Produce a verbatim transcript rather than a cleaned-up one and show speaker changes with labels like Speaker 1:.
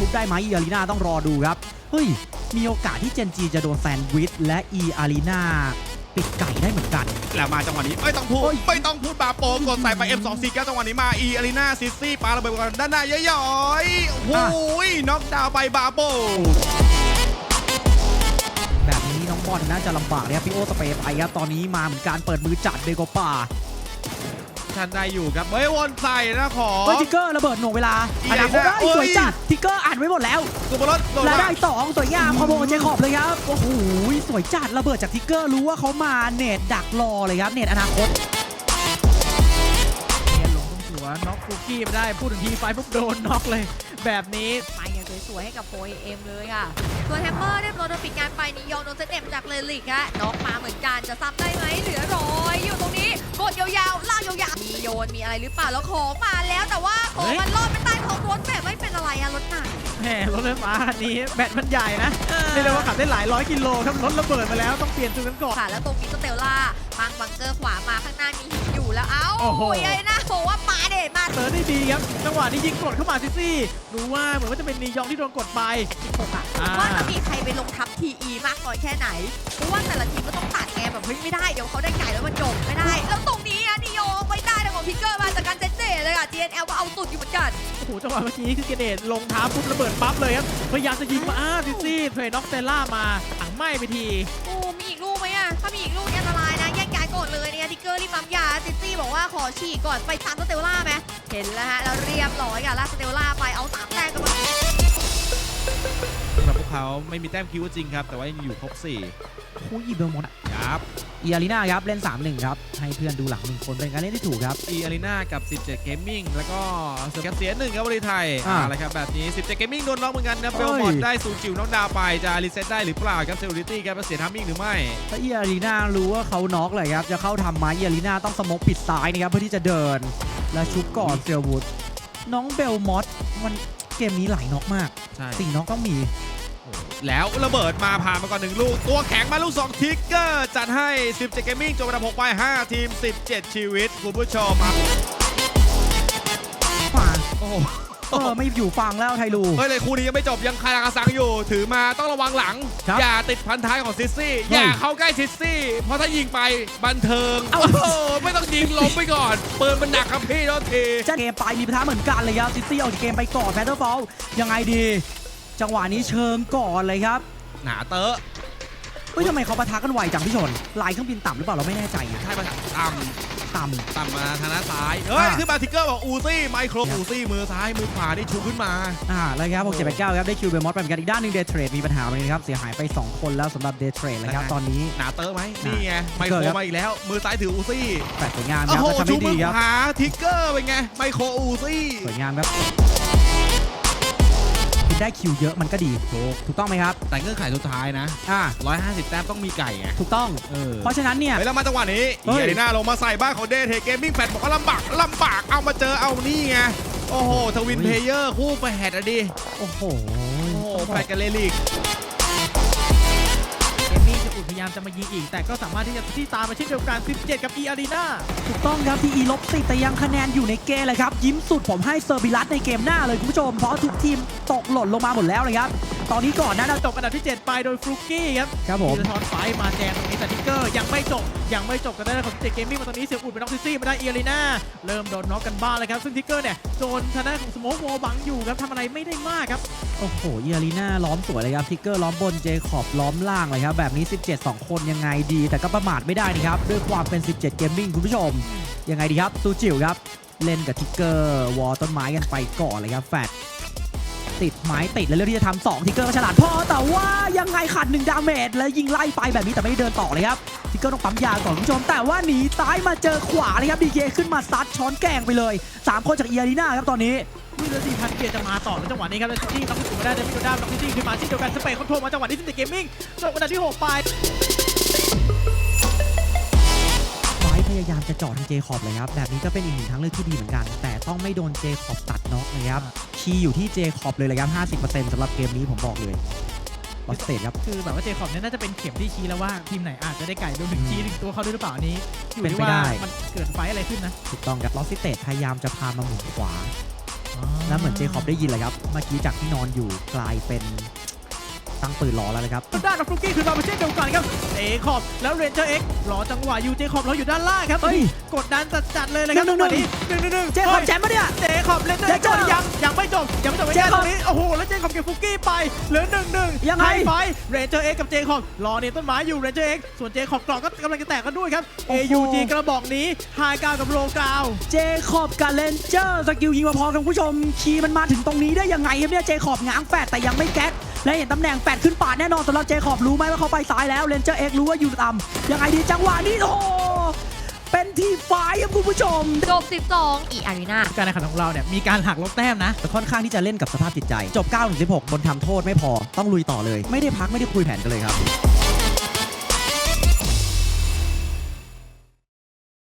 Speaker 1: ชุบได้ไหมอีอารีนาต้องรอดูครับเฮ้ยมีโอกาสที่เจนจีจะโดนแซนด์วิชและอีอารีนาปิดไก่ได้เหมือนกัน
Speaker 2: แล้วมาจังหวะนี้ไม่ต้องพูดไม่ต้องพูดบาโปกดใส่ไป เอ็ม สอง สี่ เก้า จังหวะนี้มาอีอารีนาซิซี่ปาระเบิดกันด้านหน้าย่อยๆโอ้ยน็อกดาวน์ไปบาโป
Speaker 1: แบบนี้น้องบอลน่าจะลำบากนะครับพี่โอสเปย์ไปครับตอนนี้มาเหมือนการเปิดมือจัดเดโกป่า
Speaker 2: ทันได้อยู่ครับเฮ้ยวนใส่นะขอ
Speaker 1: เฮ้ยทิกเกอร์ระเบิดหน่วงเวลาอนาคตได้สวยจัดทิกเกอร์อ่านไว้หมดแล้วและได้สองสวยงามคอมโบเจคอบเลยครับโอ้โหสวยจัดระเบิดจากทิกเกอร์รู้ว่าเขามาเนตดักรอเลยครับเนตอนาคต
Speaker 3: เนตลงตรงหัวน็อกฟูกี้ไม่ได้พูดถึงทีไฟปุ๊บโดนน็อกเลยแบบนี้
Speaker 4: ไปอย่างสวยๆให้กับโฟเอ็มเลยค่ะส่วนแฮมเมอร์เรียบร้อยโดนปิดงานไปนิยองโดนเซตเอ็มจากเลลิกฮะน็อกมาเหมือนกันจะซ้ำได้ไหมเหลือร้อยอยู่ตรงนี้กดยาวๆลากยาวๆมีโยนมีอะไรหรือเปล่าแล้วของมาแล้วแต่ว่าของมันรอดไปใต้ของรถแบบไม่เป็นอะไรอะรถหนัก
Speaker 3: แหมรถไฟฟ้าคันนี้แบตมันใหญ่นะเรียกได้ว่าขับได้หลายร้อยกิโลครับรถระเบิดมาแล้วต้องเปลี่ยนจุดกันก่อน
Speaker 4: ค่ะแล้วตรงนี้สเตลล่ามังบังเกอร์ขวามาข้างหน้ามีหินอยู่แล้วเอ้าโอ้ยนะบอกว่าปาเด็ดมา
Speaker 3: เติร์ดได้ดีครับจังหวะนี้ยิงกดเข้ามาซิซี่รู้ว่าเหมือนว่าจะเป็นนียองที่โดนกดไป
Speaker 4: ว่าจะมีใครไปลงทับทีอีมากน้อยแค่ไหนเพราะว่าแต่ละทีมก็ต้องตัดแกแบบเฮ้ยไม่ได้เดี๋ยวเขาได้ไก่แล้วมันจบไม่ได้แล้วตรงนี้อะนิยองไม่ได้แต่ของพิกเกอร์มาจากการเจเจเลยอะ จี เอ็น แอล ก็เอาสุดอยู่เหมือนกัน
Speaker 3: โอ้โหจังหวะเมื่อกี้คือเกเดตลงท้าปุ๊บระเบิดปั๊บเลยครับพยายามจะยิงมาอ้าซิซี่เทรน็อกเตล่ามาถังไหม้ไปที
Speaker 4: โอ้มีอีกลูกไหมอะถ้ามีอีกลูกอันตรายนะแยกย้ายก่อนเลยเนี่ยทิกเกอร์รีบปั๊มยาซิซี่บอกว่าขอฉี่ก่อนไปตามสเตลล่าไหมเห็นแล้วฮะแล้วเรียบร้อยค่ะลากสเตลล่าไปเอาสามแต้มกันมา
Speaker 2: สำหรับพวกเขาไม่มีแต้มคิวจริงครับแต่ว่ายังอยู่ครบสี่
Speaker 1: คู่อีเบลมอน
Speaker 2: ครับ
Speaker 1: อีอารีนาครับเล่น สามหนึ่ง ครับให้เพื่อนดูหลังหนึ่งคนเป็นการเล่นที่ถูกครับ
Speaker 2: อีอารีนากับสิบเจ็ด Gaming แล้วก็เสียเสียหนึ่งครับบริไทยอะไรครับแบบนี้สิบเจ็ด Gaming โดนน็อกเหมือนกันนะเบลมอนได้ศูนย์จิ๋วน็อกดาวไปจะรีเซ็ตได้หรือเปล่าครับเซลลิตี้ครับเสียทัมมิ่งหรือไม่
Speaker 1: ถ้าอีอารีนารู้ว่าเขาน็อกเลยครับจะเข้าทำไม้อีอารีนาต้องสโมกปิดซ้ายนะครับเพื่อที่จะเดินและชุบก่อนเซลวูดน้องเบลมอสมันเกมนี้หลายน็อกมากสี่น็อกต้องมี
Speaker 2: แล้วระเบิดมาผ่านมาก่อนหนึ่งลูกตัวแข็งมาลูกสองทิกเกอร์จัดให้สิบเจ็ด Gaming จบอันดับหกไปห้าทีมสิบเจ็ดชีวิตคุณผู้ชมครับ
Speaker 1: โอ้โหเออไม่อยู่ฟังแล้วไทลู
Speaker 2: เฮ้ยเลยคู่นี้ยังไม่จบยังคาราซังอยู่ถือมาต้องระวังหลังอย่าติดพันท้ายของซิซี่อย่าเข้าใกล้ซิซี่เพราะถ้ายิงไปบันเทิงโอ้โหไม่ต้องยิงล้มไปก่อนปืนมันหนักครับพี่โทษที
Speaker 1: จะเกมไปมีปัญหาเหมือนกันเลยครับซิซี่ออกจากเกมไปก่อนแพทเทอร์ฟอลยังไงดีจังหวะนี้เชิงก่อนเลยครับ
Speaker 2: หนาเตอะ
Speaker 1: เฮ้ยทำไมเขาปะทะกันไวจังพี่ชนลายเครื่องบินต่ำหรือเปล่าเราไม่แน่ใจ
Speaker 2: ใช่ปะต่ำ
Speaker 1: ต่ำ
Speaker 2: ต่ำมาทางด้านซ้ายเฮ้ยขึ้นมาทิกเกอร์บอกอูซี่ไมโครอูซี่มือซ้ายมือขวาที่ชูขึ้นมา
Speaker 1: อ่าแล้วครับหกเจ็ดแปดเก้าครับได้คิวเบลมอสไปเหมือนกันอีกด้านหนึ่งเดย์เทรดมีปัญหาเลยครับเสียหายไปสองคนแล้วสำหรับเดย์เทรดเลยครับตอนนี้
Speaker 2: หนาเตอะไหมนี่ไงไมโครมาอีกแล้วมือซ้ายถืออูซี่
Speaker 1: แปดสวยงามครับทำได้ดีครับ
Speaker 2: หาทิกเกอร์เป็นไงไมโครอูซี่
Speaker 1: สวยงามครับได้คิวเยอะมันก็ดีถูกถูกต้องไหมครับ
Speaker 2: แต่เงื่อนไขสุดท้ายนะ
Speaker 1: อ่า
Speaker 2: ร้อยห้าสิบแต้มต้องมีไก่ไง
Speaker 1: ถูกต้องเออเพราะฉะนั้นเนี่ย
Speaker 2: แล้วมาจังหวะนี้เอริน่าลงมาใส่บ้านของเดทเกมมิ่งแฟดบอกว่าลำบากลำบากเอามาเจอเอานี่ไงโอ้โหทวินเพลเยอร์คู่แฝดอะดิ
Speaker 1: โอ้โห
Speaker 2: แฝดกันเลลิก
Speaker 3: พยายามจะมายิงอีกแต่ก็สามารถที่จะที่ตามมาเช่นเดียวกันสิบเจ็ดกับอีอารีนา
Speaker 1: ถูกต้องครับทีอีลบสิแต่ยังคะแนนอยู่ในเกมเลยครับยิ้มสุดผมให้เซอร์บิลัสในเกมหน้าเลยคุณผู้ชมเพราะทุกทีมตกหล่นลงมาหมดแล้วเลยครับตอนนี้ก่อนนะ
Speaker 3: เราจบอันดับที่เจ็ดไปโดยฟลุกกี้ครับ
Speaker 1: ครับผม
Speaker 3: มีทอนไฟมาแจงตรงนี้แต่ทิกเกอร์ยังไม่จบยังไม่จบกันได้ของสิบเจ็ด Gaming มาตอนนี้เสียอุดเป็นน็อกซิซี่มาได้อีอารีนาเริ่มโดนน็อกกันบ้างเลยครับซึ่งทิกเกอร์เนี่ยโดนทางด้านของสโมกวอลบังอยู่ครับทำอะไรไม่ได้มากครับ
Speaker 1: โอ้โหอีอารีนาล้อมสวยเลยครับทิกเกอร์ล้อมบนเจคอบล้อมล่างเลยครับแบบนี้สิบเจ็ด สองคนยังไงดีแต่ก็ประมาทไม่ได้นะครับด้วยความเป็นสิบเจ็ด Gaming คุณผู้ชมยังไงดีครับซูจิ๋วครับเล่นกับทิกเกอร์วอลต้นไม้กันไปก่อนเลยครับแฟดติดไม้ติดแล้วเรื่องที่จะทำสองทิกเกอร์ก็ฉลาดพอแต่ว่ายังไงขาดหนึ่งดาเมจแล้วยิงไล่ไปแบบนี้แต่ไม่ได้เดินต่อเลยครับทิกเกอร์ต้องปั๊มยาก่อนคุณผู้ชมแต่ว่าหนีซ้ายมาเจอขวาเลยครับดีเคขึ้นมาซัดช้อนแกงไปเลยสามคนจากอีอารีนาครับตอนนี้
Speaker 3: วินาทีพันเกียร์จะมาต่อในจังหวะนี้ครับแล้วที่ต้องถึงมาได้เดมิโดด้าต้องที่ขึ้นมาที่เดียวกันสเปคคอนโทรลมาจังหวะนี้สิบเจ็ด Gaming จบอันดับที่หกไป
Speaker 1: พยายามจะจอดที่เจคอบเลยครับแบบนี้ก็เป็นอีกหนึ่งทางเลือกที่ดีเหมือนกันแต่ต้องไม่โดนเจคอบตัดน็อกเลยครับคีย์อยู่ที่เจคอบเลยเลยครับ ห้าสิบเปอร์เซ็นต์ สำหรับเกมนี้ผมบอกเลยลอสเตทครับ
Speaker 3: คือแบบว่าเจคอบเนี่ยน่าจะเป็นเข็มที่ชี้แล้วว่าทีมไหนอาจจะได้ไก่รวมถึงชี้ถึงตัวเขาด้วยหรือเปล่านี้อยู่ที่ว่ามันเกิดไฟอะไรขึ้นนะ
Speaker 1: ถูกต้องครับลอสเตทพยายามจะพามาหมุนขวาแล้วเหมือนเจคอบได้ยินเลยครับเมื่อกี้จากที่นอนอยู่กลายเป็นตั้งปืนรอแล้วเลยครับ
Speaker 3: ด้านของฟลุกกี้คือมาเป็นเช่นเดียวกันครับเจคอบแล้วเรนเจอร์เอ็กซ์รอจังหวะอยู่เจคอบรออยู่ด้านล่างครับ
Speaker 1: เฮ้ย
Speaker 3: กดดันจัดๆเลยนะครับ
Speaker 1: หนึ่งหนึ่ง
Speaker 3: จังหวะนี้หนึ่งหนึ่งหนึ่ง
Speaker 1: เจคอบแชมป์ปะเนี่ย
Speaker 3: เจคอบเรนเจอร์เอ็กซ์
Speaker 1: เจคอบ
Speaker 3: ยังยังไม่จบยังไม่จบไม่
Speaker 1: เจ
Speaker 3: ได้
Speaker 1: ค
Speaker 3: ต
Speaker 1: อบ
Speaker 3: รงนี้โอ้โหแล้วเจคอบเก็บฟลุกกี้ไปเหลือหนึ่งหนึ่ง
Speaker 1: ยังไง
Speaker 3: ไฟเรนเจอร์เอ็กซ์กับเจคอบรอเนี่ยต้นไม้อยู่เรนเจอร์เอ็กซ์ส่วนเจคอบกรอกก็กำลังจะแตกกันด้วยครับ
Speaker 1: โอ้
Speaker 3: เอ
Speaker 1: โห
Speaker 3: ยูจีกระบอกนี้ไฮกราวกับโลกราว
Speaker 1: เจคอบกับเลนเจอร์สกิลยิงมาพอกันคุณผู้ชมคีย์มันมาถึงตรงนี้ได้ยังไงครับเนี่ยเจคอบง้างแฟดแต่ยังไม่แก๊กและเห็นตำแหน่งแฟดขึ้นปาดแน่นอนสำหรับเจคอบรู้ไหมว่าเขาไปซ้ายแล้วเลนเจอร์เอ็กรู้ว่าอยู่ต่ำยังไงดีจังหวะนี้โอ้โหเป็นทีไฟครับคุณผู้ชม
Speaker 4: จบสิบสองอีอารีนา
Speaker 3: การแข่งขันของเราเนี่ยมีการหักลบแต้มนะ
Speaker 1: ค่อนข้างที่จะเล่นกับสภาพจิตใจจบเก้าถึงสิบหกบนทำโทษไม่พอต้องลุยต่อเลยไม่ได้พักไม่ได้คุยแผนกันเลยครับ